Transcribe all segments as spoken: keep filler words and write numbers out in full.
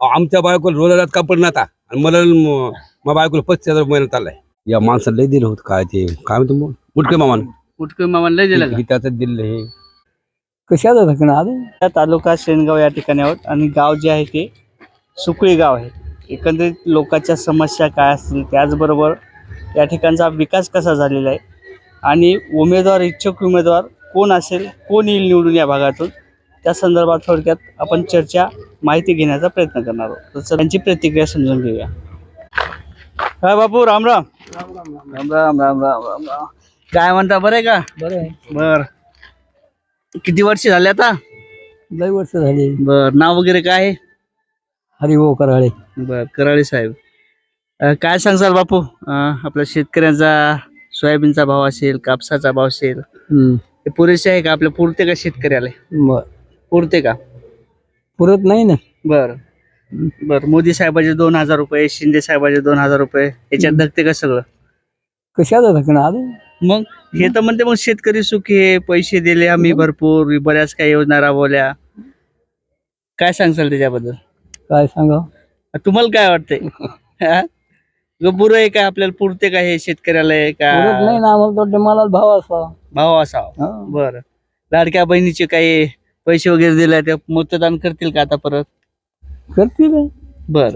आमच्या बायकोला रोजात कापड नव्हता आणि मला म- माझ्या बायकोला पस्तीस हजार महिना चाललाय. या माणसाला लय दिलं होतं काय ते काय म्हणतो मग मुटके मामान कुटके मामाला लय दिलं का? त्याचं दिलं हे कशाला धकणं आलं. या तालुका शेनगाव या ठिकाणी आहोत आणि गाव जे आहे ते सुकळी गाव आहे. एकंदरीत लोकांच्या समस्या काय असतील, त्याचबरोबर या ठिकाणचा विकास कसा झालेला आहे आणि उमेदवार इच्छुक उमेदवार कोण असेल, कोण येईल निवडून या भागातून, त्या संदर्भात थोडक्यात आपण चर्चा माहिती घेण्याचा प्रयत्न करणार आहोत. तर त्यांची प्रतिक्रिया समजून घेऊया. काय बापू, राम राम. राम राम राम राम राम राम. काय म्हणता, बरं आहे का? बरं आहे. बर, किती वर्ष झाले आता? लय वर्ष झाली. बर, नाव वगैरे काय आहे? हरिभाऊ कराळे. बर, कराळे साहेब. अ, काय सांगसाल बापू, अ, आपल्या शेतकऱ्यांचा सोयाबीनचा भाव असेल, कापसाचा भाव असेल, हम्म. हे पुरेसे आहे का? आपल्या पुरते का शेतकऱ्याला? बर, पुरते का? पुरत नाही ना. बर बर. मोदी साहेबाचे दोन हजार रुपये, शिंदे साहेबाचे दोन हजार रुपये, याच्यात धकते का सगळं? कशाला धकणं आलं. मग हे तर म्हणते मग शेतकरी सुखी आहे, पैसे दिले आम्ही भरपूर, बऱ्याच काही योजना राबवल्या. काय सांगसाल त्याच्याबद्दल? काय सांगा. तुम्हाला काय वाटतंय? बुरं आहे का? आपल्याला पुरते का हे शेतकऱ्याला आहे पुरत नाही का? ना आम्हाला. तो मला भाव असा. भाव असावा. बर. लाडक्या बहिणीचे काही पैसे वगैरे दिले, ते मतदान करतील का आता परत? करतील. बर.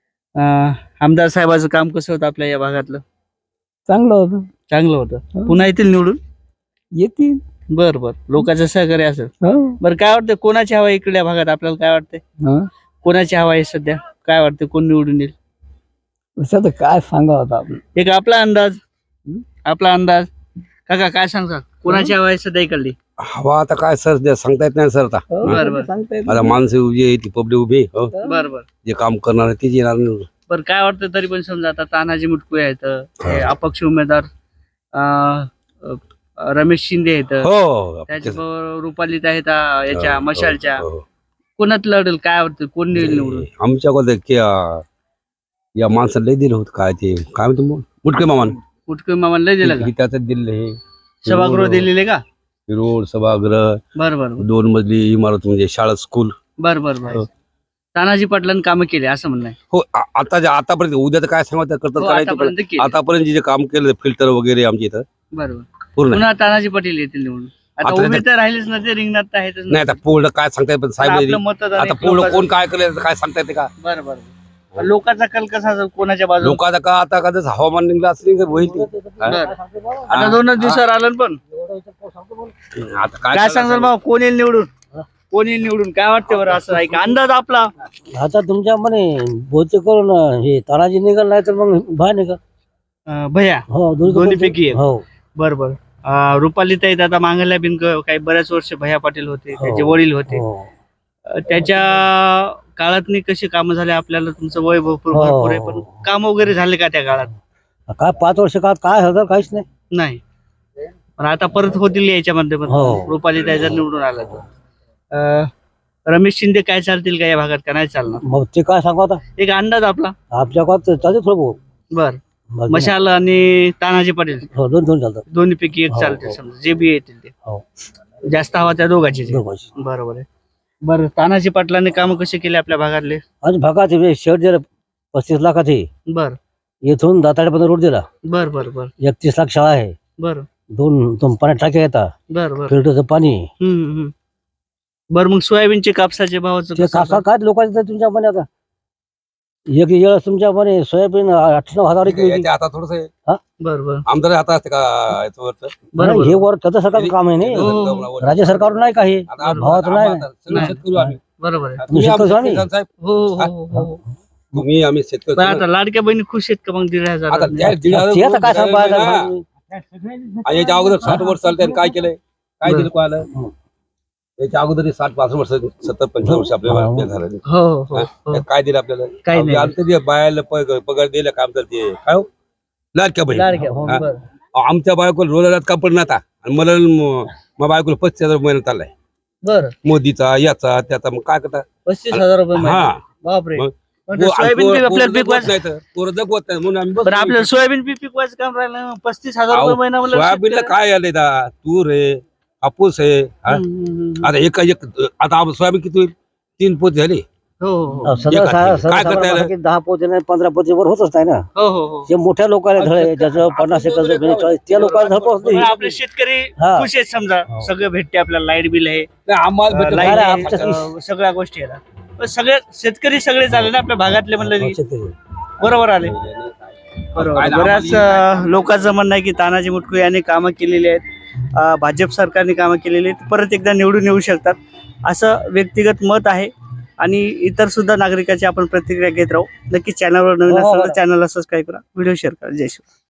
आमदार साहेबाचं काम कसं होतं आपल्या या भागातलं? चांगलं होतं. चांगलं होतं. पुन्हा येतील निवडून? येतील. बर बर. लोकांचं सहकार्य असेल. बरं, काय वाटतं कोणाची हवा आहे इकडल्या भागात? आपल्याला काय वाटतंय कोणाची हवा आहे सध्या? काय वाटतं कोण निवडून येईल? तर काय सांगा होता आपण. एक आपला अंदाज, आपला अंदाज. काका काय सांगता, कोणाची हवा आहे सध्या इकडली? हवा आता काय सर ते सांगता येत नाही सर. आता बरं बरं. सांगता येत आता माणसं उभी आहे, ती पब्लिक उभी आहे, हो. बर बर. जे काम करणार आहे तीच येणार नाही. बरं, काय वाटतं तरी पण समजा आता तानाजी मुटकुळे आहेत, हे अपक्ष उमेदवार अं, अं, रमेश शिंदे आहेत, हो त्याच्याबरोबर रुपालीत आहेत अं, याच्या मशालच्या. हो, हो. कोणात लढेल काय वाटतं, कोण निवडून निवडून? आमच्याकडे की, अं, या माणसाला लय दिलं होतं काय ते काय म्हणतो मग मुटके मामान कुटके मामाला लय दिलं का? त्याचं दिलं हे सभागृह दिलेले का? रोड, सभागृह, बर बर दोन मजली इमारत म्हणजे शाळा, स्कूल. बर बर बर. तानाजी पाटलांनी कामं केले असं म्हणणं आहे. हो, आ- आता जे- आतापर्यंत उद्या तर काय सांगत करतात हो, करायचं आतापर्यंत केले. आतापर्यंत जे काम केलं फिल्टर वगैरे आमच्या इथं बरोबर. पूर्ण पुन्हा तानाजी पाटील येतील निवडून. आता आता उभे तर राहिलेच ना, ते रिंगणात तर आहेतच ना. नाही. आता पूर्ण काय सांगता येत पण साहेब आपलं मतदान आता एक पूर्ण लोकांचं- कोण काय केलं काय सांगता येते का? बरं बरं. लोकांचा कल कसा असेल, कोणाच्या बाजूला? लोकांचा का आता का जसं हवामान निघलं असं नाही होईल ते. हा? बरं. आता दोनच दिवसावर आलं ना. पण आता काय काय सांगाल भाऊ, कोण येईल निवडून? कोण येईल निवडून काय वाटतं बरं? असं आहे का अंदाज आपला? आता तुमच्या म्हणे बहुतेक करून हे तानाजी निघाल नाही तर मग भा निघा. अं, भैया हो, दोन्ही पैकी एक. हो. बरं बरं. अं, रुपाली ताईत आता मांगल्या बिन काही बऱ्याच वर्ष भैया पाटील होते, हो. त्याचे वडील होते. हो. अं, त्याच्या काळातनी कशी कामं झाले? आपल्याला तुमचं वय भरपूर हो. भरपूर आहे, पण काम वगैरे झाले का त्या काळात? काय पाच वर्ष काळात काय होतं काहीच नाही. नाही. पण आता परत होतील याच्यामध्ये पण. हो. रुपाली ताई जर निवडून आला तर अं, रमेश शिंदे काय चालतील का या भागात का नाही चालणार? मग ते काय सांगू आता एक अंदाज आपला. आपल्या गावात चालते थोडं बर. बहुत. मशाल आणि तानाजी पाटील हो, दोन दोन चालतात. दोन्ही पैकी एक हो, चालते हो. समजा, जे बी येतील ते. हो. जास्त हवा त्या दोघांची. दोघांची. बरोबर आहे. बरं, तानाजी पाटलांनी काम कसे केले आपल्या भागातले? आणि भागात हे शेड दिलं पस्तीस लाखात आहे. बर येथून दाताड्यापर्यंत रोड दिला. बर बर बर एकतीस लाख शाळा आहे. बर दोन दोन पाण्यात टाक्या येतात. बर बर. फिल्टरचं पाणी. हम्म हम्म. बर, मग सोयाबीनचे कापसाचे भावाचं ते कसं कासा आता? काय लोकांचं तुमच्या म्हणे आता एक वेळ तुमच्या म्हणे सोयाबीन आठ नऊ हजार एक याच्या आता थोडस बर बर आमदार हातात असते का याचं वरचं? बर हे बर वर त्याचं सरकारचं काम आहे नाही. हो. राज्य सरकार नाही काही आता भावाचं नाही. आम्हाला सगळे शेतकरी आम्ही. बरोबर आहे. तुम्ही आमचे शेतकरी शेतकरी साहेब, हो हो हो हो. तुम्ही आम्ही शेतकरी पण आता लाडक्या बहिणी खुश आहेत का मग दीड हजार? आता त्या दीड हजार ते आता काय रुपये सांगायचं ना. ना. आणि याच्या अगोदर साठ वर्ष चालते आणि काय केलंय काय बरं. दिलं कोणाला? याच्या अगोदर साठ पासष्ट वर्ष सत्तर पंचावन्न वर्ष आपल्याला हो. झालं. हो हो हो त्यात काय दिलं आपल्याला? काही नाही. आमचं ते बायाला पग- पगार दिला काम करते काय हो? लाडक्या बहीण. लाडक्या हो, हा. बरं. आमच्या बायकोला रोजात कापड नव्हता आणि मला म- माझ्या बायकोला पस्तीस हजार महिना चाललाय. बरं. मोदीचा याचा त्याचा मग काय करता? पस्तीस हजार रुपये महिना. हा. बापरे. मग पण ते सोयाबीन पीक आपल्याला पिकवायचं नाही तर पोरं जगवत नाही म्हणून आम्ही बरं, बसलो. आपल्याला सोयाबीन पीक पिकवायचं काम राहिलं, पस्तीस हजार अहो, रुपये महिना म्हणलं सोयाबीनला शेतकऱ्याला. काय आले दा तूर आहे कापूस आहे हा? हम्म, हम्म, हम्म. आता एका एक आता आप- सोयाबीन किती होईल? तीन पोत झाली हो हो अहो, सगळं एकाच सा- वेळी. काय सर्वसामान्य करता की दहा पोते नाही पंधरा पोते वर होतच नाही ना. हो हो हो जे मोठ्या लोकांना धळे ज्याचं पन्नास एकर जमीन आहे, चाळीस त्या लोकांना धड पोहोचत पण नाही. आपले शेतकरी हा. खुश आहेत समजा हो. सगळं भेटते आपल्याला लाईट बिल आहे नाही, आम्हाला भेटलं लाईट नाही, आहे, आमच्या अं, सगळ्या गोष्टी आहेत पण सगळे शेतकरी सगळे झाले ना आपल्या भागातले म्हणलं की शेतकरी. बरोबर आले बरोबर बऱ्याच अं, लोकांचं म्हणणं आहे की तानाजी मुटकुळे यांनी कामं केलेली आहेत अं, भाजप सरकारने कामं केलेली आहेत परत एकदा निवडून येऊ शकतात असं व्यक्तिगत मत आहे आणि इतर सुद्धा नागरिकांची आपण प्रतिक्रिया घेत राहू नक्की चॅनलवर नवीन हो, हो, असेल तर हो. चॅनलला सबस्क्राईब करा व्हिडिओ शेअर करा जय श्री